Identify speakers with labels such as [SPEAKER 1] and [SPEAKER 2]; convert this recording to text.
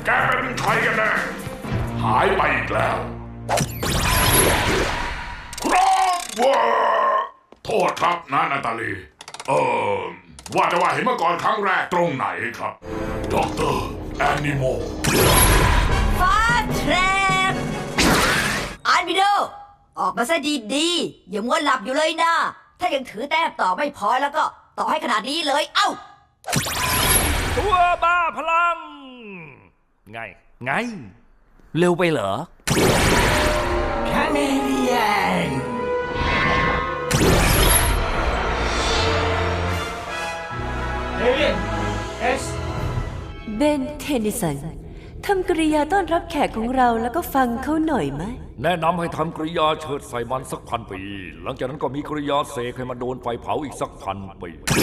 [SPEAKER 1] แกเป็นใครกันแน่หายไปอีกแล้วครับว่าโทษครับนาตาลีว่าแต่ว่าเห็นมาก่อนครั้งแรกตรงไหนครับด็อกเตอร์แอนิโม
[SPEAKER 2] ฟ้าแทรปอาร์บิโดออกมาซะดีๆอย่ามัวหลับอยู่เลยนะถ้ายังถือแต้มต่อไม่พอแล้วก็ต่อให้ขนาดนี้เลยเอ้า
[SPEAKER 3] ตัวบ้าพลังไงเร็วไปเหรอ
[SPEAKER 2] คาเมเลียน
[SPEAKER 4] เบนเทนนิสันทำกริยาต้อนรับแขกของเราแล้วก็ฟังเขาหน่อยไหม
[SPEAKER 3] แนะนำให้ทำกริยาเชิดใส่มันสัก1,000 ปีหลังจากนั้นก็มีกริยาเสกให้มันโดนไฟเผาอีกสัก1,000 ปี